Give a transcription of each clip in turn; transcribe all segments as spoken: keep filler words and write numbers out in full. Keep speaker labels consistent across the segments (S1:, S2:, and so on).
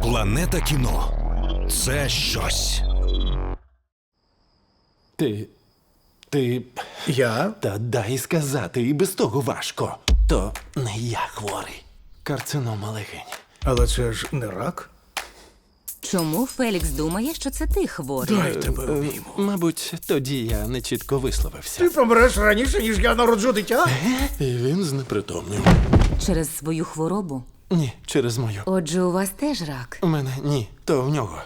S1: Планета кіно – це щось.
S2: Ти. Ти.
S3: Я?
S2: Та дай сказати, і без того важко. То не я хворий. Карцинома легень.
S3: Але це ж не рак.
S4: Чому Фелікс думає, що це ти хворий?
S3: Дай тебе обійму.
S2: Мабуть, тоді я не чітко висловився.
S3: Ти помреш раніше, ніж я народжу дитя?
S2: І він знепритомнів.
S4: Через свою хворобу?
S2: Ні, через мою.
S4: Отже, у вас теж рак.
S2: У мене ні, то в нього.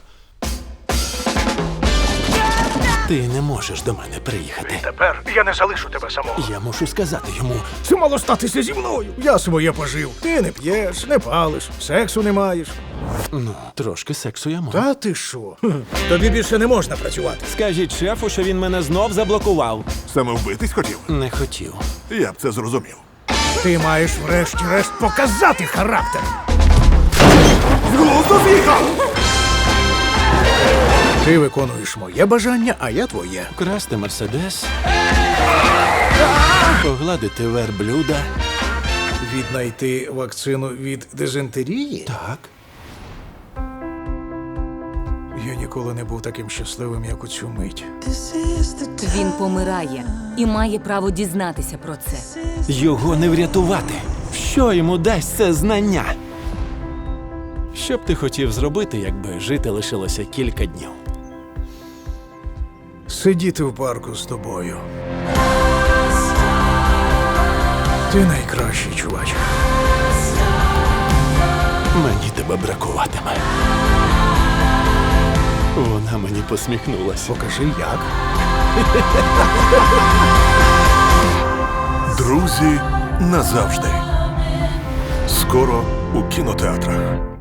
S2: Ти не можеш до мене приїхати.
S3: Тепер я не залишу тебе самого.
S2: Я мушу сказати йому.
S3: Це мало статися зі мною. Я своє пожив. Ти не п'єш, не палиш, сексу не маєш.
S2: Ну, трошки сексу я можу.
S3: Та ти що? Хм. Тобі більше не можна працювати.
S2: Скажіть шефу, що він мене знов заблокував.
S5: Саме вбитись хотів?
S2: Не хотів.
S5: Я б це зрозумів.
S3: Ти маєш врешті-решт показати характер.
S5: З глузду з'їхав!
S3: Ти виконуєш моє бажання, а я твоє.
S2: Красти мерседес. Погладити верблюда.
S3: Віднайти вакцину від дизентерії?
S2: Так.
S3: Я ніколи не був таким щасливим, як у цю мить.
S4: Він помирає і має право дізнатися про це.
S2: Його не врятувати. Що йому дасть це знання? Що б ти хотів зробити, якби жити лишилося кілька днів?
S3: Сидіти в парку з тобою. Ти найкращий, чувач.
S2: Мені тебе бракуватиме. Вона мені посміхнулася.
S3: Покажи, як.
S5: Друзі назавжди. Скоро у кінотеатрах.